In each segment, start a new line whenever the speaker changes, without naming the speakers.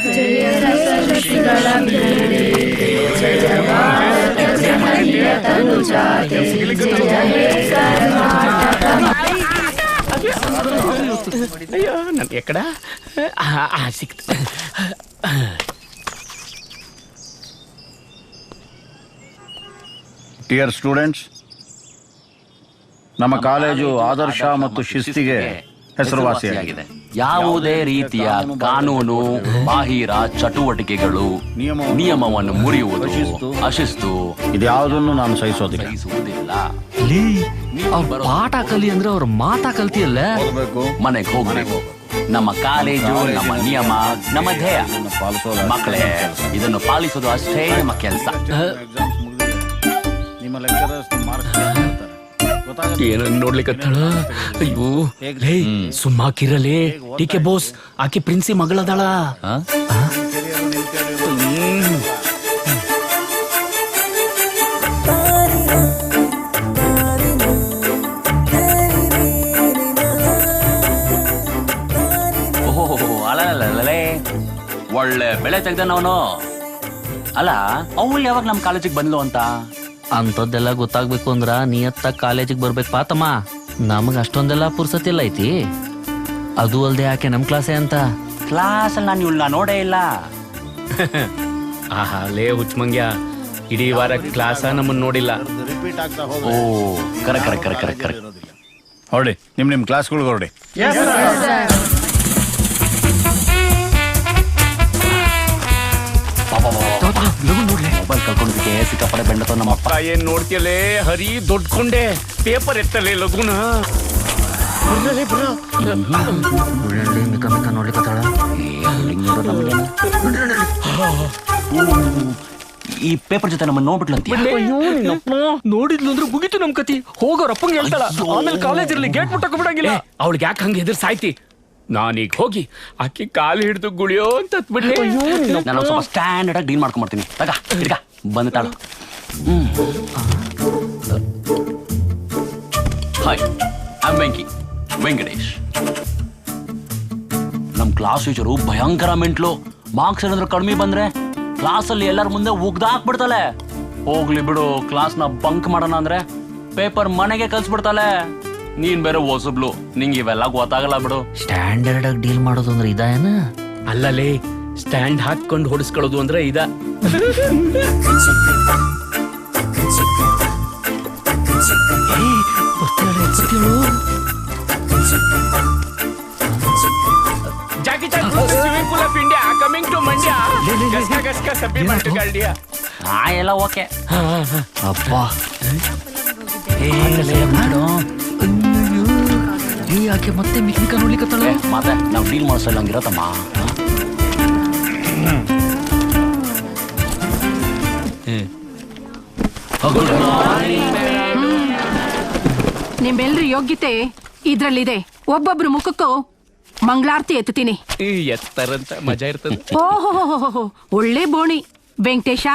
అయ్యో నన్ను ఎక్కడ సిక్త్.
ಡಿಯರ್ ಸ್ಟೂಡೆಂಟ್ಸ್, ನಮ್ಮ ಕಾಲೇಜು ಆದರ್ಶ ಮತ್ತು ಶಿಸ್ತಿಗೆ ಹೆಸರುವಾಸಿಯಾಗಿದೆ.
ಯಾವುದೇ ರೀತಿಯ ಕಾನೂನು ಬಾಹಿರ ಚಟುವಟಿಕೆಗಳು, ನಿಯಮವನ್ನು ಮುರಿಯುವುದು, ಅಶಿಸ್ತು
ಇದ್ಯಾವುದನ್ನು ನಾನು ಸಹಿಸೋದಿಲ್ಲ.
ಪಾಠ ಕಲಿ ಅಂದ್ರೆ ಅವ್ರ ಮಾತಾ ಕಲ್ತಿಯಲ್ಲ. ಮನೆಗೆ ಹೋಗ್ಬೇಕು. ನಮ್ಮ ಕಾಲೇಜು, ನಮ್ಮ ನಿಯಮ, ನಮ್ಮ ಧ್ಯೇಯ. ಮಕ್ಕಳೇ, ಇದನ್ನು ಪಾಲಿಸೋದು ಅಷ್ಟೇ ನಮ್ಮ ಕೆಲಸ.
ನಿಮ್ಮ ಲೆಕ್ಚರರ್ಸ್
ಏನನ್ನ ನೋಡ್ಲಿಕ್ಕತ್ತಾಳ? ಅಯ್ಯೋ ಸುಮ್ಮಾಕಿರಲೇ. ಟಿಕೆ ಬೋಸ್, ಆಕೆ ಪ್ರಿನ್ಸಿ ಮಗಳದಾಳ.
ಒಳ್ಳೆ ಬೆಳೆ ತೆಗ್ದನವನು. ಅಲ್ಲ, ಅವಳು ಯಾವಾಗ ನಮ್ ಕಾಲೇಜಿಗೆ ಬಂದ್ಲು ಅಂತ?
ಅಂತದ್ದೆಲ್ಲ ಗೊತ್ತಾಗ್ಬೇಕು ಅಂದ್ರ ನಿಯತ್ತ ಕಾಲೇಜಿಗೆ ಬರ್ಬೇಕು ಪಾತಮ್ಮ. ನಮಗ್ ಅಷ್ಟೊಂದೆಲ್ಲ ಪುರ್ಸತಿಲ್ಲ ಐತಿ. ಅದು ಅಲ್ದೆ ಆಕೆ ನಮ್ ಕ್ಲಾಸೇ ಅಂತ.
ಕ್ಲಾಸ್ ಅಲ್ಲಿ ನಾನು ಇವಳನ್ನ ನೋಡೇ ಇಲ್ಲ.
ಆಹಾ ಲೇ ಹುಚ್ಚಮಂಗ್ಯ, ಇಡೀ ವಾರ ಕ್ಲಾಸ ನಮ್ಮನ್ನ ನೋಡಿಲ್ಲ.
ಓ ಕರೆಕ್ಟ್.
ಹೊರಡಿ, ನಿಮ್ ಕ್ಲಾಸ್ಗಳಿಗೆ ಹೊರಡಿ.
ಮೊಬೈಲ್ ಕಳ್ಕೊಂಡ್ಬಿಟ್ಟೆ, ಸಿಕ್ಕಾಪಡೆ ಬೆಂಡತ ನಮ್ಮಪ್ಪ.
ಏನ್ ನೋಡ್ತಿಯಲೇ ಹರಿ, ದೊಡ್ಕೊಂಡೆ ಪೇಪರ್ ಎತ್ತಲೇ ಲಗುನ.
ನೋಡ್ಲಿಕ್ಕತ್ತಾಳ.
ಈ ಪೇಪರ್ ಜೊತೆ ನಮ್ಮನ್ನ ನೋಡ್ಬಿಟ್ಲಂತ.
ನೋಡಿದ್ಲು ಅಂದ್ರೆ ಮುಗಿತು ನಮ್ ಕತಿ. ಹೋಗೋರಪ್ಪಂಗೆ ಹೇಳ್ತಾಳ. ಆಮೇಲೆ ಕಾಲೇಜ್ ಇರ್ಲಿ, ಗೇಟ್ ಮುಟ್ಟಕ್ಕೆ ಬಿಡಂಗಿಲ್ಲ. ಅವಳಿಗೆ ಯಾಕೆ ಹಂಗೆ ಎದುರು ಸಾಯ್ತಿ? ನಾನೀಗ ಹೋಗಿ ಆಕಿ ಕಾಲು ಹಿಡಿದು ಗುಳಿಯೋ ಅಂತ ಬಿಡ್ಲಿ.
ನಾನು ಸ್ವಲ್ಪ ಸ್ಟ್ಯಾಂಡರ್ಡ್ ಆಗಿ ಡೀಲ್ ಮಾಡ್ಕೊಂಡ್ಬರ್ತೀನಿ. ತಗ ಬಂದಿದ್ದಾಳು. Hi, I am Venkatesh. ನಮ್ ಕ್ಲಾಸ್ ಟೀಚರು ಭಯಂಕರ ಮೆಂಟ್ಲು. ಮಾರ್ಕ್ಸ್ ಏನಾದ್ರು ಕಡಿಮೆ ಬಂದ್ರೆ ಕ್ಲಾಸಲ್ಲಿ ಎಲ್ಲರ ಮುಂದೆ ಉಗ್ದಾಕ್ಬಿಡ್ತಾಳೆ. ಹೋಗ್ಲಿ ಬಿಡು, ಕ್ಲಾಸ್ನ ಬಂಕ್ ಮಾಡೋಣ ಅಂದ್ರೆ ಪೇಪರ್ ಮನೆಗೆ ಕಲ್ಸ್ಬಿಡ್ತಾಳೆ. ನೀನ್ ಬೇರೆ ಹೊಸಬ್ಲು, ನಿಂಗೆ ಇವೆಲ್ಲ ಗೊತ್ತಾಗಲ್ಲ ಬಿಡು.
ಸ್ಟ್ಯಾಂಡರ್ಡ್ ಆಗಿ ಡೀಲ್ ಮಾಡೋದು ಅಂದ್ರೆ ಇದೇನ?
ಅಲ್ಲಲೇ, ಸ್ಟ್ಯಾಂಡ್ ಹಾಕೊಂಡು ಹೊಡಿಸ್ಕೊಳ್ಳೋದು ಅಂದ್ರೆ ಇದ. Jackie Chan swimming pool of India coming to Mandya. ಗಸ್ಕ ಸಬ್ಬಿ ಮಾಡ್ತಿಗಾಲ್ಡಿಯಾ.
ಎಲ್ಲ ಓಕೆ.
ಅಪ್ಪ ಯಾಕೆ ಮತ್ತೆ ಮಿಕ್ನಿಕ ನೋಡ್ಲಿಕ್ಕತ್ತಾಳ?
ಮತ್ತೆ ನಾವು ಡೀಲ್ ಮಾಡಿಸಲ್ಲ ಹಂಗಿರತ್ತಮ್ಮ.
ನಿಮ್ಮೆಲ್ರ ಯೋಗ್ಯತೆ ಇದ್ರಲ್ಲಿದೆ. ಒಬ್ಬೊಬ್ರು ಮುಖಕ್ಕೂ ಮಂಗಳಾರತಿ ಎತ್ತುತ್ತೀನಿ.
ಎತ್ತರಂತ ಮಜಾ ಇರ್ತದೆ.
ಓಹೋ, ಒಳ್ಳೆ ಬೋಣಿ ವೆಂಕಟೇಶ.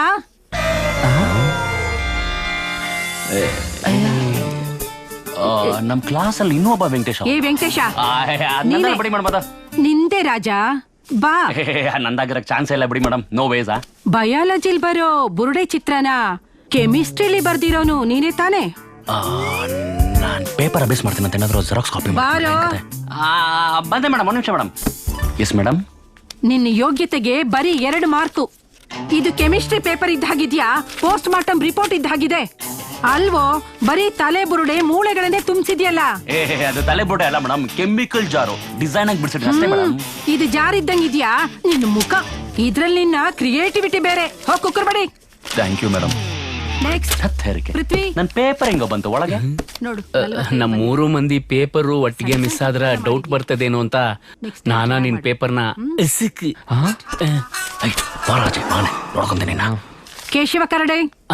ನಮ್ ಕ್ಲಾಸ್ ಅಲ್ಲಿ ಇನ್ನೂ ಒಬ್ಬ ವೆಂಕಟೇಶ.
ಏ ವೆಂಕಟೇಶ,
ಬಿಡಿ ಮೇಡಮ್.
ನಿಂದೆ ರಾಜ ಬಾ.
ನಂದಾಗಿರಕ್ ಚಾನ್ಸ್ ಇಲ್ಲ ಬಿಡಿ ಮೇಡಮ್. No Visa.
ಬಯಾಲಜಿಲ್ ಬರೋ ಬುರುಡೆ ಚಿತ್ರನ ಕೆಮಿಸ್ಟ್ರಿಲಿ ಬರ್ದಿರೋನು ನೀನೇ ತಾನೆ?
ನಾನ್ ಪೇಪರ್ ಅಭ್ಯಾಸ ಮಾಡ್ತೀನಿ ಅಂತ ಏನಾದ್ರು ಜೆರಾಕ್ಸ್ ಕಾಪಿ
ಬಾರೋ.
ಬಂದೆ ಮೇಡಮ್, ಒಂದು ನಿಮಿಷ ಮೇಡಮ್. Yes madam.
ನಿನ್ನ ಯೋಗ್ಯತೆಗೆ ಬರೀ 2 ಮಾರ್ಕು. ಇದು ಕೆಮಿಸ್ಟ್ರಿ ಪೇಪರ್ ಇದ್ದಾಗಿದ್ಯಾ, ಪೋಸ್ಟ್ ಮಾರ್ಟಮ್ ರಿಪೋರ್ಟ್ ಇದ್ದಾಗಿದೆ ಅಲ್ವೋ? ಬರೀ ತಲೆ ಬುರುಡೆ ಮೂಳೆಗಳನ್ನೇ ತುಂಬಿಸಿದ್ಯಲ್ಲ.
ಅದು ತಲೆ ಬುರುಡೆ ಅಲ್ಲ ಮೇಡಮ್, ಕೆಮಿಕಲ್ ಜಾರು ಡಿಸೈನ್ ಆಗಿ ಬಿಡಿಸಿದ್ರೆ ಅಷ್ಟೇ ಮೇಡಮ್.
ಇದು ಜಾರ್ ಇದ್ದಂಗಿದ್ಯಾ ನಿನ್ನ ಮುಖ? ಇದ್ರಲ್ಲಿ ನಿನ್ನ ಕ್ರಿಯೇಟಿವಿಟಿ ಬೇರೆ. ಹೋಗ್ ಕುಕ್ಕರ್ ಬಡಿ.
Thank you madam.
Next Prithvi.
ನನ್ ಪೇಪರ್ ಹೆಂಗ ಬಂತು ಒಳಗೆ?
ನೋಡು,
ನಮ್ 3 ಮಂದಿ ಪೇಪರು ಒಟ್ಟಿಗೆ ಮಿಸ್ ಆದ್ರ ಡೌಟ್ ಬರ್ತದೇನೋ ಅಂತ ನಾನಾ ನಿನ್ ಪೇಪರ್ನ
ನೋಡ್ಕೊಂತೀನಿ.
ಕೇಶವ ಕರಡೆ,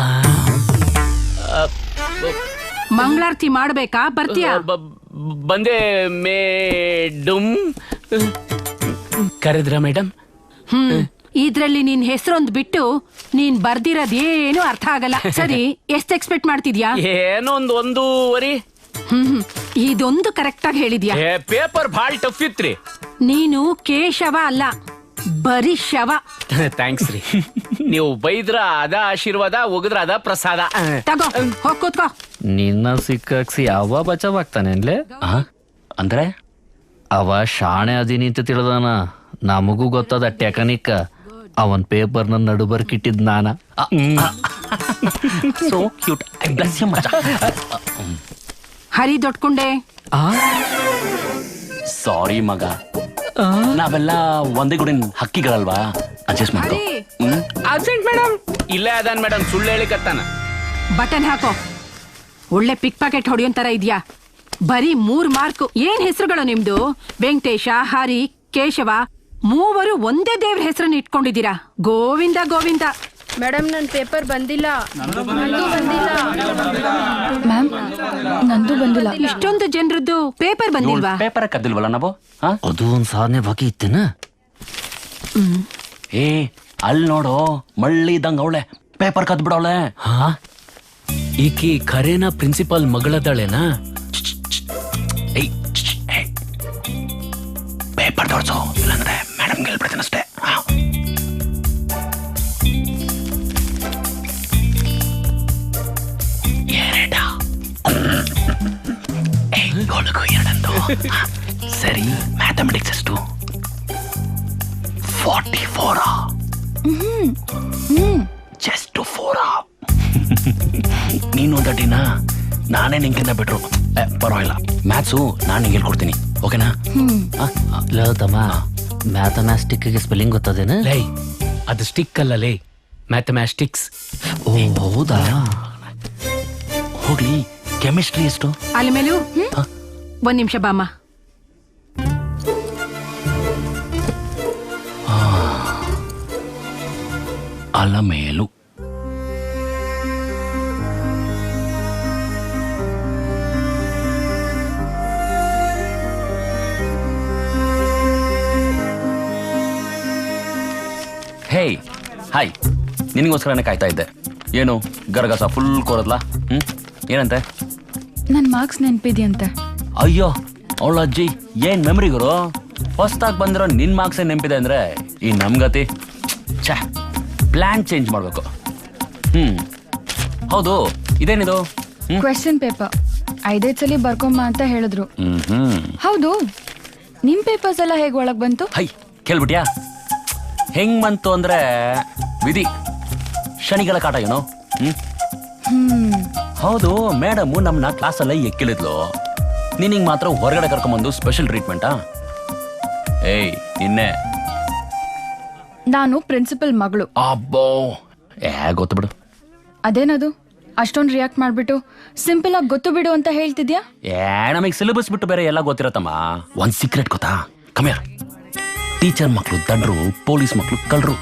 ಮಂಗಳಾರತಿ ಮಾಡ್ಬೇಕಾ? ಬರ್ತೀಯಾ?
ಬಂದೆ ಮೇಡಮ್. ಕರೆದ್ರ ಮೇಡಮ್?
ಇದ್ರಲ್ಲಿ ನಿನ್ ಹೆಸರೊಂದ್ ಬಿಟ್ಟು ನೀನ್ ಬರ್ದಿರೋದೇನು ಅರ್ಥ ಆಗಲ್ಲ. ಸರಿ, ಎಷ್ಟ್ ಎಕ್ಸ್ಪೆಕ್ಟ್ ಮಾಡ್ತಿದ್ಯಾ?
ಏನೋ 1.5
ಇದೊಂದು ಕರೆಕ್ಟ್ ಆಗಿ ಹೇಳಿದ್ಯಾ.
ಪೇಪರ್ ಭಾಳ ಟಫ್ ಇತ್ರಿ.
ನೀನು ಕೇಶವ ಅಲ್ಲ, ಬರೀ ಶವ.
ಥ್ಯಾಂಕ್ಸ್ ರೀ. ನೀವು ಬೈದ್ರ ಅದ ಆಶೀರ್ವಾದ, ಒಗದ್ರ ಅದ ಪ್ರಸಾದ.
ತಗೋ ಹೋಗ್ ಕೂತ್ಕೋ.
ನಿನ್ನ ಸಿಕ್ಕಾಕ್ಸಿ ಅವ ಬಚಾವಾಗ್ತಾನೇನ್ಲೆ?
ಅಂದ್ರೆ
ಅವ ಶಾಣೆ ಅದೀನಿ ಅಂತ ತಿಳಿದಾನ. ನಮಗೂ ಗೊತ್ತದ ಟೆಕನಿಕ್. ಅವನ್ ಪೇಪರ್ನ ನಡುಬರ್ಕಿಟ್ಟಿದ್ ನಾನ.
So cute. ಬ್ಲೆಸ್ ಯು ಮಚ.
ಹರಿ ದೊಡ್ಕೊಂಡೆ.
ಸಾರಿ ಮಗ, ನಾವೆಲ್ಲ ಒಂದೇ ಗುಡಿನ ಹಕ್ಕಿಗಳಲ್ವಾ, ಅಡ್ಜಸ್ಟ್ ಮಾಡ್ಕೊ.
Absent madam. ಇಲ್ಲೇ ಅದಾನ್ ಮೇಡಮ್, ಸುಳ್ಳು ಹೇಳಿಕತ್ತಾನ.
ಬಟನ್ ಹಾಕೋ. ಒಳ್ಳೆ ಪಿಕ್ ಪಾಕೆಟ್ ಹೊಡೆಯೋನ್ ತರ ಇದ್ಯಾ. ಬರೀ 3 ಮಾರ್ಕ್. ಏನ್ ಹೆಸರುಗಳು ನಿಮ್ದು? ವೆಂಕಟೇಶ, ಹರಿ, ಕೇಶವ, ಮೂವರು ಒಂದೇ ದೇವ್ರ ಹೆಸರನ್ನ ಇಟ್ಕೊಂಡಿದ್ದೀರಾ. ಗೋವಿಂದ ಗೋವಿಂದ.
ಮೇಡಮ್ ನನ್ ಪೇಪರ್ ಬಂದಿಲ್ಲ. ಮ್ಯಾಮ್ ನಂದು ಬಂದಿಲ್ಲ.
ಇಷ್ಟೊಂದು ಜನರದ್ದು ಪೇಪರ್ ಬಂದಿಲ್ವಾ?
ಪೇಪರ್ ಕದ್ದಿಲ್ವಲ್ಲ ನಾವು?
ಅದು ಒಂದ್ ಸಾಧನೆ ಬಾಕಿ ಇತ್ತೇನ?
ಏ ಅಲ್ಲಿ ನೋಡು, ಮಳ್ಳಿ ಇದ್ದಂಗ ಅವಳೆ ಪೇಪರ್ ಕದ್ ಬಿಡವಳೆ.
ಈಕಿ ಖರೇನ ಪ್ರಿನ್ಸಿಪಾಲ್ ಮಗಳದಾಳೆನಾ?
ಪೇಪರ್ ತೋರ್ಸು, ಇಲ್ಲಾಂದ್ರೆ ಮೇಡಮ್ ಗೆಲ್ಬಿಡ್ತೀನಿ ಅಷ್ಟೇ. ಎರಡಂದು ಸರಿ. ಮ್ಯಾಥಮೆಟಿಕ್ಸ್ ಎಷ್ಟು? 44. ಜಸ್ಟ್ 4. ನೀನು ದಡ್ಡಿನ, ನಾನೇ ನಿಂಕಿಂತ ಬಿಟ್ರು ಪರವಾಗಿಲ್ಲ. ಮ್ಯಾಥ್ಸು ನಾನು ನಿಂಗೆ ಹೇಳ್ಕೊಡ್ತೀನಿ, ಓಕೆನಾ?
ತಮ್ಮ, ಮ್ಯಾಥಮ್ಯಾಟಿಕ್ಗೆ ಸ್ಪೆಲ್ಲಿಂಗ್ ಗೊತ್ತದೇನ?
ಲೈ, ಅದು ಸ್ಟಿಕ್ ಅಲ್ಲ ಲೇ, ಮ್ಯಾಥಮ್ಯಾಟಿಕ್ಸ್.
ಓ ಹೌದಾ?
ಹೋಗ್ಲಿ, ಕೆಮಿಸ್ಟ್ರಿ ಎಷ್ಟು?
ಅಲ್ಲಿ ಮೇಲೂ 1 ನಿಮಿಷ ಬಾಮ್ಮ.
ಅಲ್ಲ ಮೇಲು. ಹೇ ಹಾಯ್, ನಿನಗೋಸ್ಕರನೇ ಕಾಯ್ತಾ ಇದ್ದೆ. ಏನು ಗರಗಸ ಫುಲ್ ಕೋರದ್ಲಾ? ಏನಂತೆ?
ನನ್ ಮಾರ್ಕ್ಸ್ ನೆನ್ಪಿದ್ಯಂತೆ.
ಅಯ್ಯೋ ಅವಳ ಅಜ್ಜಿ, ಏನ್ ಮೆಮರಿ ಗುರು. ಹೊಸ್ದಾಗಿ ಬಂದಿರೋ ನಿನ್ ಮಾರ್ಕ್ಸ್ ನೆನಪಿದೆ ಅಂದ್ರೆ ಈ ನಮ್ಗತಿ. ಛೇ, ಪ್ಲಾನ್ ಚೇಂಜ್ ಮಾಡ್ಬೇಕು. ಹೌದು, ಇದೇನಿದು?
ಕ್ವೆಶ್ಚನ್ ಪೇಪರ್ 5 ಸಲ ಬರ್ಕೊಂಬ ಅಂತ ಹೇಳಿದ್ರು. ಹೌದು, ನಿಮ್ ಪೇಪರ್ಸ್ ಎಲ್ಲ ಹೇಗ್ ಒಳಗ್ ಬಂತು?
ಹೈ, ಕೇಳ್ಬಿಟ್ಯಾ? ಹೆಂಗ್ ಬಂತು ಅಂದ್ರೆ ವಿಧಿ, ಶನಿಗಳ ಕಾಟ ಏನೋ. ಹೌದು, ಮೇಡಮು ನಮ್ನ ಕ್ಲಾಸಲ್ಲೇ ಎಕ್ಕಿಳಿದ್ಲು. ನೀನಿಂಗ್ ಮಾತ್ರ ಹೊರಗಡೆ ಕರ್ಕೊಂಬಂದು ಸ್ಪೆಷಲ್ ಟ್ರೀಟ್ಮೆಂಟಾ? ಏಯ್ ನಿನ್ನೆ
ನಾನು ಪ್ರಿನ್ಸಿಪಲ್ ಮಗಳು.
ಅಬ್ಬೋ, ಗೊತ್ತು ಬಿಡು.
ಅದೇನದು ಅಷ್ಟೊಂದು ರಿಯಾಕ್ಟ್ ಮಾಡ್ಬಿಟ್ಟು ಸಿಂಪಲ್ ಆಗಿ ಗೊತ್ತು ಬಿಡು ಅಂತ ಹೇಳ್ತಿದ್ಯಾ?
ನಮಗೆ ಸಿಲೆಬಸ್ ಬಿಟ್ಟು ಬೇರೆ ಎಲ್ಲ ಗೊತ್ತಿರತ್ತಮ್ಮ. ಒಂದ್ ಸೀಕ್ರೆಟ್ ಗೊತ್ತಾ? ಕಮ್ಯಾರ, ಟೀಚರ್ ಮಕ್ಳು ದಂಡ್ರು, ಪೊಲೀಸ್ ಮಕ್ಳು ಕಳ್ರು.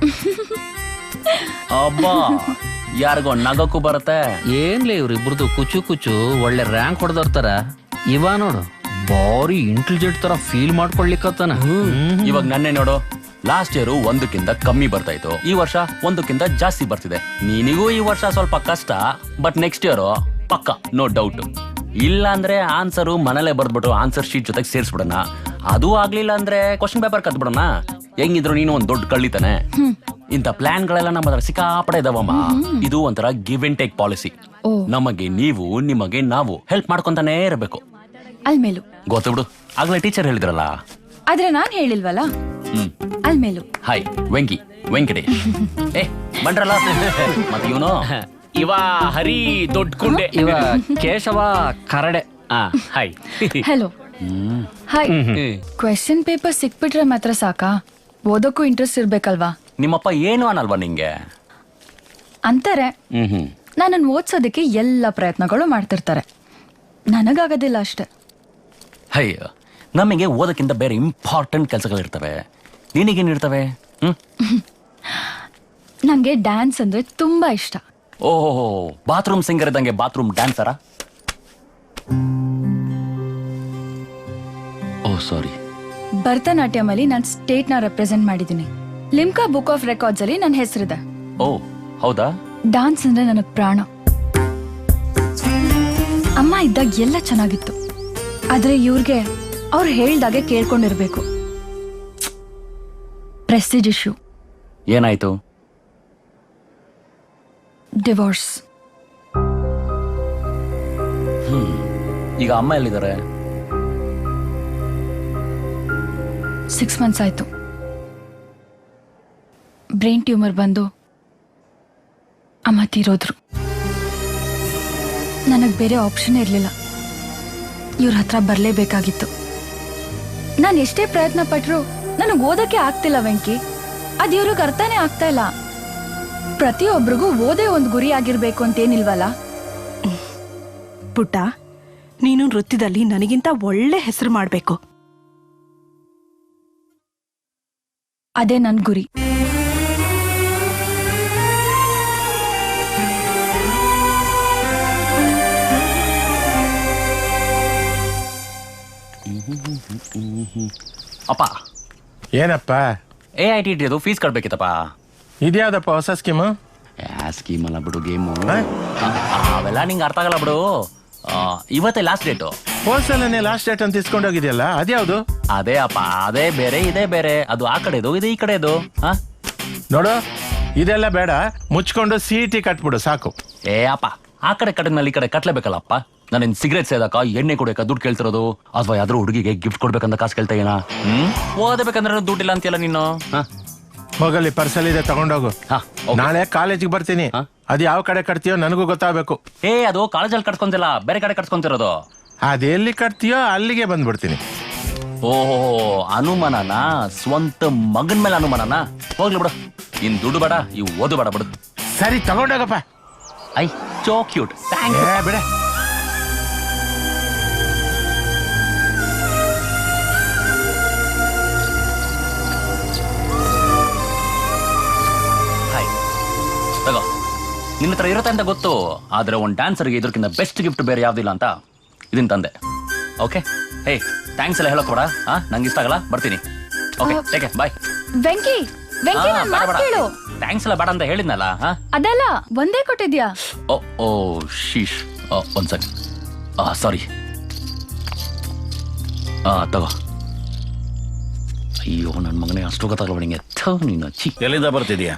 ಅಬ್ಬಾ, ಯಾರಿಗೋ ನಗಕ್ಕೂ ಬರುತ್ತೆ.
ಏನ್ಲೇ ಇವ್ರಿಬ್ರದ್ದು ಕುಚು ಕುಚು ಒಳ್ಳೆ ರ್ಯಾಂಕ್ ಹೊಡೆದರ್ತಾರ. ಇವ ನೋಡು, ಬಾರಿ ಇಂಟೆಲಿಜೆಂಟ್ ತರ ಫೀಲ್ ಮಾಡ್ಕೊಳ್ಲಿಕ್ಕತ್ತಾನ.
ಇವಾಗ ನನ್ನೇ ನೋಡು, ಲಾಸ್ಟ್ ಇಯರ್ 1ಕ್ಕಿಂತ ಕಮ್ಮಿ ಬರ್ತಾ ಇತ್ತು, ಈ ವರ್ಷ 1ಕ್ಕಿಂತ ಜಾಸ್ತಿ ಬರ್ತಿದೆ. ನಿನಗೂ ಈ ವರ್ಷ ಸ್ವಲ್ಪ ಕಷ್ಟ, ಬಟ್ ನೆಕ್ಸ್ಟ್ ಇಯರ್ ಪಕ್ಕ, ನೋ ಡೌಟ್. ಇಲ್ಲ ಅಂದ್ರೆ ಆನ್ಸರು ಮನೇಲೆ ಬರ್ದ್ಬಿಟ್ಟು ಆನ್ಸರ್ ಶೀಟ್ ಜೊತೆಗೆ ಸೇರಿಸ್ಬಿಡೋಣ. ಅದು ಆಗ್ಲಿಲ್ಲ ಅಂದ್ರೆ ಕ್ವಶನ್ ಪೇಪರ್ ಕತ್ಬಿಡೋಣ. ಹೆಂಗಿದ್ರು ನೀನು ಒಂದ್ ದೊಡ್ಡ ಕಳ್ಳಿತಾನೆ. ಇಂಥ ಪ್ಲಾನ್ ಗಳೆಲ್ಲ ನಮ್ಮ ಹತ್ರ ಸಿಕ್ಕಾಪಡೆ ಇದಾವಮ್ಮ. ಇದು ಒಂಥರ ಗಿವ್ ಅಂಡ್ ಟೇಕ್ ಪಾಲಿಸಿ. ನಮಗೆ ನೀವು, ನಿಮಗೆ ನಾವು ಹೆಲ್ಪ್ ಮಾಡ್ಕೊಂತಾನೆ ಇರಬೇಕು.
ಅಲ್ಮೇಲು
ಗೊತ್ತು ಬಿಡು, ಆಗ್ಲೇ ಟೀಚರ್ ಹೇಳಿದ್ರಲ್ಲ.
ಆದ್ರೆ ನಾನ್ ಹೇಳಿಲ್ವಲ್ಲ. ಅಲ್ಮೇಲು
ಹಾಯ್ ವೆಂಕಟೇಶ್. ಬಂಡ್ರಲ್ಲ ಮತ್ತೆ ಇವನು
ಇವ ಹರಿ ದೊಡ್ಡ ಕುಂಡೆ.
ಇವ Keshava Karade.
Hi.
Hello. Hi. Question paper ಸಿಕ್ಬಿಟ್ರೆ ಮಾತ್ರ ಸಾಕಾ? ಓದೋಕ್ಕೂ ಇಂಟ್ರೆಸ್ಟ್ ಇರ್ಬೇಕಲ್ವಾ?
ನಿಮ್ಮಪ್ಪ ಏನು ಅನ್ನಲ್ವಾ ನಿಂಗೆ?
ಅಂತಾರೆ. ನನ್ನನ್ನು ಓದ್ಸೋದಕ್ಕೆ ಎಲ್ಲ ಪ್ರಯತ್ನಗಳು ಮಾಡ್ತಿರ್ತಾರೆ. ನನಗಾಗೋದಿಲ್ಲ ಅಷ್ಟೆ.
ಅಯ್ಯೋ, ನಮಗೆ ಓದಕ್ಕಿಂತ ಬೇರೆ ಇಂಪಾರ್ಟೆಂಟ್ ಕೆಲಸಗಳಿರ್ತವೆ. ನಿನಗೇನಿರ್ತವೆ?
ನಂಗೆ ಡ್ಯಾನ್ಸ್ ಅಂದ್ರೆ ತುಂಬಾ ಇಷ್ಟ.
ಓಹೋ, ಬಾತ್ರೂಮ್ ಸಿಂಗರ್ ಇದ್ದಂಗೆ ಬಾತ್ರೂಮ್ ಡ್ಯಾನ್ಸರಾ? Oh sorry.
ಭರತನಾಟ್ಯಂ ಅಲ್ಲಿ ನಾನು ಸ್ಟೇಟ್ ನ ರೆಪ್ರೆಸೆಂಟ್ ಮಾಡಿದ್ದೀನಿ. ಲಿಮ್ಕಾ ಬುಕ್ ಆಫ್ ರೆಕಾರ್ಡ್ಸ್ ಅಲ್ಲಿ ನನ್ನ ಹೆಸರಿದೆ.
ಓ ಹೌದಾ?
ಡಾನ್ಸ್ ಅಂದ್ರೆ ನನಗ್ ಪ್ರಾಣ. ಅಮ್ಮ ಇದ್ದಾಗ ಎಲ್ಲ ಚೆನ್ನಾಗಿತ್ತು, ಆದ್ರೆ ಇವ್ರಿಗೆ ಅವ್ರು ಹೇಳ್ದಾಗೆ ಕೇಳ್ಕೊಂಡಿರ್ಬೇಕು. ಪ್ರೆಸ್ಟೀಜ್ ಇಶ್ಯೂ,
ಏನಾಯ್ತು?
ಡಿವೋರ್ಸ್.
ಈಗ ಅಮ್ಮ ಎಲ್ಲಿದ್ದಾರೆ?
6 months ಆಯ್ತು. ಬ್ರೈನ್ ಟ್ಯೂಮರ್ ಬಂದು ಅಮ್ಮ ತೀರೋದ್ರು. ನನಗೆ ಬೇರೆ ಆಪ್ಷನ್ ಇರಲಿಲ್ಲ. ಇವ್ರ ಹತ್ರ ಬರಲೇಬೇಕಾಗಿತ್ತು. ನಾನು ಎಷ್ಟೇ ಪ್ರಯತ್ನ ಪಟ್ಟರು ನನಗೆ ಓದಕ್ಕೆ ಆಗ್ತಿಲ್ಲ ವೆಂಕಿ. ಅದು ಇವ್ರಿಗೆ ಅರ್ಥನೇ ಆಗ್ತಾ ಇಲ್ಲ. ಪ್ರತಿಯೊಬ್ಬರಿಗೂ ಓದೇ ಒಂದು ಗುರಿ ಆಗಿರ್ಬೇಕು ಅಂತೇನಿಲ್ವಲ್ಲ.
ಪುಟ್ಟ, ನೀನು ನೃತ್ಯದಲ್ಲಿ ನನಗಿಂತ ಒಳ್ಳೆ ಹೆಸರು ಮಾಡಬೇಕು.
ಅದೇ ನನ್ನ ಗುರಿ.
ಅಪ್ಪ,
ಏನಪ್ಪ
AIT ಅದು ಫೀಸ್ ಕಟ್ಬೇಕಿತ್ತಪ್ಪ.
ಇದ್ಯಾವ್ದಪ್ಪ ಹೊಸ ಸ್ಕೀಮು?
ಸ್ಕೀಮ್ ಅಲ್ಲ ಬಿಡು, ಗೇಮು. ಅವೆಲ್ಲ ನಿಂಗೆ ಅರ್ಥ ಆಗಲ್ಲ ಬಿಡು. ಇವತ್ತೇ ಲಾಸ್ಟ್ ಡೇಟು.
ಹೋಲ್ಸೇಲನ್ನೇ ಲಾಸ್ಟ್ ಡೇಟ್ ಅಂತ ಇಸ್ಕೊಂಡೋಗಿದ್ಯಲ್ಲ, ಅದ್ಯಾವುದು?
ಅದೇ ಅಪ್ಪ, ಅದೇ ಬೇರೆ ಇದೇ ಬೇರೆ. ಅದು ಆ ಕಡೆದು, ಇದು ಈ ಕಡೆದು.
ನೋಡು, ಇದೆಲ್ಲ ಬೇಡ, ಮುಚ್ಕೊಂಡು CET ಕಟ್ಬಿಡು ಸಾಕು.
ಅಪ್ಪ, ಆ ಕಡೆ ಕಟ್ಟದ್ಮೇಲೆ ಈ ಕಡೆ ಕಟ್ಲೇಬೇಕಲ್ಲಪ್ಪ. ನಾನೇನ್ ಸಿಗರೇಟ್ ಸೇದಕ, ಎಣ್ಣೆ ಕುಡಿಯಕ ದುಡ್ಡು ಕೇಳ್ತಿರೋದು, ಅಥವಾ ಯಾವ್ದಾದ್ರು ಹುಡುಗಿಗೆ ಗಿಫ್ಟ್ ಕೊಡ್ಬೇಕಂತ ಕಾಸು ಕೇಳ್ತಾ ಏನ? ಓದಬೇಕಂದ್ರೆ ದುಡ್ಡಿಲ್ಲ ಅಂತೀಯಲ್ಲ ನೀನು.
ಹೋಗಲ್ಲಿ ಪರ್ಸಲ್ ಇದೆ, ತಗೊಂಡೋಗು. ನಾಳೆ ಕಾಲೇಜಿಗೆ ಬರ್ತೀನಿ. ಅದ್ ಯಾವ ಕಡೆ ಕಟ್ತೀಯೋ ನನಗೂ ಗೊತ್ತಾಗಬೇಕು.
ಅದು ಕಾಲೇಜಲ್ಲಿ ಕಟ್ಕೊಂತಿಲ್ಲ, ಬೇರೆ ಕಡೆ ಕಟ್ಕೊಂತಿರೋದು.
ಅದೆಲ್ಲಿ ಕಟ್ತೀಯೋ ಅಲ್ಲಿಗೆ ಬಂದ್ಬಿಡ್ತೀನಿ.
ಓಹೋ, ಅನುಮಾನನ? ಸ್ವಂತ ಮಗನ್ ಮೇಲೆ ಅನುಮಾನನ? ಹೋಗ್ಲಿ ಬಿಡು, ಇನ್ ದುಡ್ಡು ಬೇಡ, ಇವು ಓದು ಬೇಡ ಬಿಡು.
ಸರಿ, ತಗೊಂಡೋಗಪ್ಪ.
I so cute.
ಬಿಡ.
ತಗೋ, ನಿನ್ನ ಹತ್ರ ಇರುತ್ತೆ ಅಂತ ಗೊತ್ತು, ಆದ್ರೆ ಒಂದು ಡ್ಯಾನ್ಸರ್ಗೆ ಇದ್ರಕ್ಕಿಂತ ಬೆಸ್ಟ್ ಗಿಫ್ಟ್ ಬೇರೆ ಯಾವ್ದಿಲ್ಲ ಅಂತ ಇದನ್ ತಂದೆ. ಓಕೆ, ಹೇ, ಥ್ಯಾಂಕ್ಸ್ ಎಲ್ಲ ಹೇಳೋಕ್ ಬೇಡ. ನಂಗೆ ಇಷ್ಟ ಆಗಲ್ಲ, ಬರ್ತೀನಿ. Okay, take care, bye.
Venki, ನನ್ ಮಾತ್ ಕೇಳು.
ಥ್ಯಾಂಕ್ಸ್ ಎಲ್ಲ ಬೇಡ ಅಂತ ಹೇಳಿದ್ನಲ್ಲ.
ಅದೆಲ್ಲ ಒಂದೇ ಕೊಟ್ಟಿದ್ಯಾ?
ಓ ಶೀಶ್, ಒಂದ್ ಸೆಕೆಂಡ್. ಸಾರಿ. ತಗೋ. ಅಯ್ಯೋ, ನನ್ನ ಮಗನೇ, ಅಷ್ಟು ಗೊತ್ತಾಗಲ್ಲ ನಿಂಗೆ. ನೀನು ಚಿ.
ಎಲ್ಲಿಂದ ಬರ್ತಿದ್ಯಾ?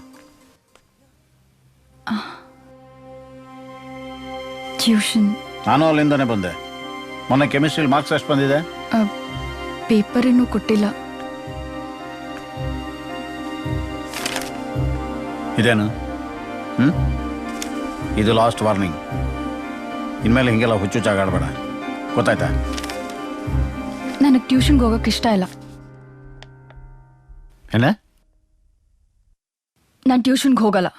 ಟ್ಯೂಷನ್.
ನಾನು ಅಲ್ಲಿಂದಾನೆ ಬಂದೆ. ಮೊನ್ನೆ ಕೆಮಿಸ್ಟ್ರಿ ಮಾರ್ಕ್ಸ್ ಎಷ್ಟು ಬಂದಿದೆ?
ಪೇಪರ್ ಇನ್ನೂ ಕೊಟ್ಟಿಲ್ಲ.
ಇದೇನು? ಇದು ಲಾಸ್ಟ್ ವಾರ್ನಿಂಗ್. ಇನ್ಮೇಲೆ ಹಿಂಗೆಲ್ಲ ಹುಚ್ಚುಚ್ಚಾಗಾಡಬೇಡ, ಗೊತ್ತಾಯ್ತಾ?
ನನಗೆ ಟ್ಯೂಷನ್ಗೆ ಹೋಗಕ್ಕೆ ಇಷ್ಟ ಇಲ್ಲ.
ಏನ?
ನಾನು ಟ್ಯೂಷನ್ಗೆ ಹೋಗಲ್ಲ.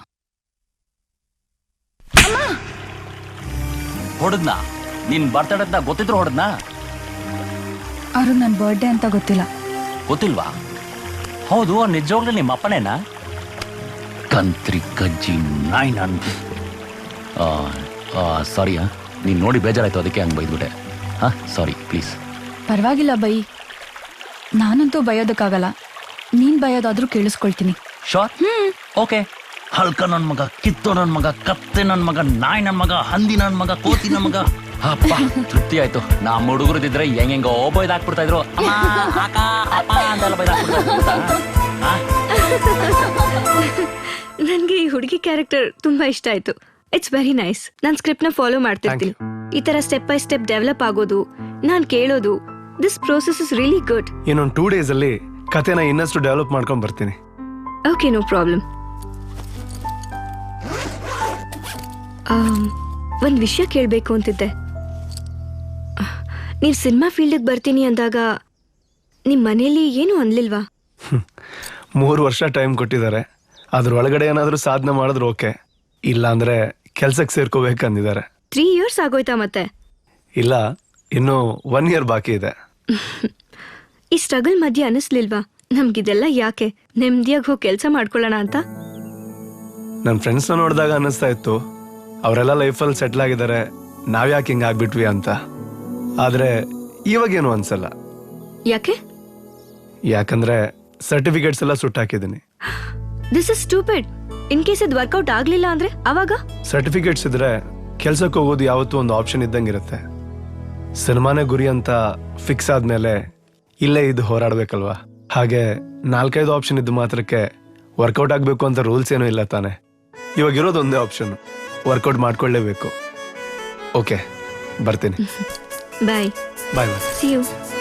ಹೊಡೆದ್ನಾ? ನಿನ್ ಬರ್ತಡೇ ಅಂತ ಗೊತ್ತಿದ್ರು ಹೊಡೆದ್ನಾ?
ಅವ್ರಿಗೆ ನನ್ನ ಬರ್ಡೇ ಅಂತ ಗೊತ್ತಿಲ್ಲ.
ಗೊತ್ತಿಲ್ವಾ? ಹೌದು, ನಿಜವಾಗ್ಲೂ ನಿಮ್ಮ ಅಪ್ಪನೇನಾ? ಕಂತ್ರಿ ಕಜ್ಜಿ ನಾಯಿ. ನಾನು ಸಾರಿ, ನೀನು ನೋಡಿ ಬೇಜಾರಾಯ್ತು, ಅದಕ್ಕೆ ಹಂಗೆ ಬೈದ್ಬಿಟ್ಟೆ. ಸಾರಿ, ಪ್ಲೀಸ್.
ಪರವಾಗಿಲ್ಲ ಬೈ, ನಾನಂತೂ ಬಯೋದಕ್ಕಾಗಲ್ಲ. ನೀನ್ ಬಯೋದಾದ್ರೂ ಕೇಳಿಸ್ಕೊಳ್ತೀನಿ.
ಶೋರ್? ಓಕೆ. ಹಲ್ಕ ನನ್ ಮಗ, ಕಿತ್ತು ನನ್ ಮಗ, ಕತ್ತೆ ನನ್ ಮಗ, ನಾಯಿ ನನ್ ಮಗ, ಹಂದಿ ನನ್ ಮಗ, ಕೋತಿ ನನ್ ಮಗ. ಅಪ್ಪ, ತೃಪ್ತಿ ಆಯ್ತು. ನಮ್ಮ ಹುಡುಗರದಿದ್ರೆ ಹೆಂಗೆಂಗೋ ಬೈದಾಕ್ಬಿಡ್ತಾ ಇದ್ರು. ಅಂತೆಲ್ಲ ಬೈದಾಕ್ಬಿಡ್ತಾ.
ನನ್ಗೆ ಈ ಹುಡುಗಿ ಕ್ಯಾರೆಕ್ಟರ್ ತುಂಬಾ ಇಷ್ಟ ಆಯ್ತು. It's very nice. ನಾನ್ ಸ್ಕ್ರಿಪ್ಟ್ ನ ಫಾಲೋ ಮಾಡ್ತಿರ್ತೀನಿ. ಈ ತರ ಸ್ಟೆಪ್ ಬೈ ಸ್ಟೆಪ್ ಡೆವಲಪ್ ಆಗೋದು, ನಾನ್ ಕೇಳೋದು, this process is really good.
ಇನ್ನೊಂದು 2 days ಅಲ್ಲಿ ಕತೆನ ಇನ್ನಷ್ಟು ಡೆವಲಪ್ ಮಾಡ್ಕೊಂಡ್ ಬರ್ತೀನಿ.
Okay, no problem. ಒಂದ್ ವಿಷಯ ಕೇಳ್ಬೇಕು ಅಂತಿದ್ದೆ. ನೀವ್ ಸಿನಿಮಾ ಫೀಲ್ಡ್ ಬರ್ತೀನಿ ಅಂದಾಗ ನಿಮ್ ಮನೇಲಿ ಏನು ಅನ್ಲಿಲ್ವಾ?
3 ವರ್ಷ ಟೈಮ್ ಕೊಟ್ಟಿದ್ದಾರೆ. ಅದ್ರ ಒಳಗಡೆ ಏನಾದ್ರೂ ಸಾಧನೆ ಮಾಡಿದ್ರೆ ಓಕೆ, ಇಲ್ಲ ಅಂದ್ರೆ ಕೆಲ್ಸಕ್ಕೆ ಸೇರ್ಕೋಬೇಕಂದಿದ್ದಾರೆ.
3 years ಆಗೋಯ್ತಾ ಮತ್ತೆ?
ಇಲ್ಲ, ಇನ್ನು 1 year ಬಾಕಿ ಇದೆ.
ಈ ಸ್ಟ್ರಗಲ್ ಮಧ್ಯೆ ಅನಿಸ್ಲಿಲ್ವಾ ನಮ್ಗಿದೆಲ್ಲ ಯಾಕೆ, ನೆಮ್ಮದಿಯಾಗಿ ಹೋಗಿ ಕೆಲಸ ಮಾಡ್ಕೊಳ್ಳೋಣ ಅಂತ?
ನನ್ನ ಫ್ರೆಂಡ್ಸ್ನ ನೋಡಿದಾಗ ಅನ್ನಿಸ್ತಾ ಇತ್ತು, ಅವರೆಲ್ಲ ಲೈಫಲ್ಲಿ ಸೆಟ್ಲ್ ಆಗಿದ್ದಾರೆ, ನಾವ್ಯಾಕೆ ಹಿಂಗೆ ಆಗ್ಬಿಟ್ವಿ ಅಂತ. ಆದ್ರೆ ಇವಾಗೇನು ಅನ್ಸಲ್ಲ.
ಯಾಕೆ?
ಯಾಕಂದ್ರೆ ಸರ್ಟಿಫಿಕೇಟ್ಸ್ ಎಲ್ಲ ಸುಟ್ಟಾಕಿದ್ದೀನಿ.
This is stupid. In case ಇದು ವರ್ಕೌಟ್ ಆಗ್ಲಿಲ್ಲ ಅಂದ್ರೆ ಅವಾಗ?
ಸರ್ಟಿಫಿಕೇಟ್ಸ್ ಇದ್ರೆ ಕೆಲ್ಸಕ್ಕೆ ಹೋಗೋದು ಯಾವತ್ತೂ ಒಂದು ಆಪ್ಷನ್ ಇದ್ದಂಗಿರುತ್ತೆ. ಸಿನಿಮಾನೇ ಗುರಿ ಅಂತ ಫಿಕ್ಸ್ ಆದ್ಮೇಲೆ ಇಲ್ಲೇ ಇದು ಹೋರಾಡ್ಬೇಕಲ್ವಾ. ಹಾಗೆ 4-5 ಆಪ್ಷನ್ ಇದ್ದು ಮಾತ್ರಕ್ಕೆ ವರ್ಕೌಟ್ ಆಗಬೇಕು ಅಂತ ರೂಲ್ಸ್ ಏನೂ ಇಲ್ಲ ತಾನೆ. ಇವಾಗ ಇರೋದು ಒಂದೇ ಆಪ್ಷನ್, ವರ್ಕೌಟ್ ಮಾಡ್ಕೊಳ್ಳೇಬೇಕು. ಓಕೆ, ಬರ್ತೀನಿ.
Bye.
Bye bye.
See you.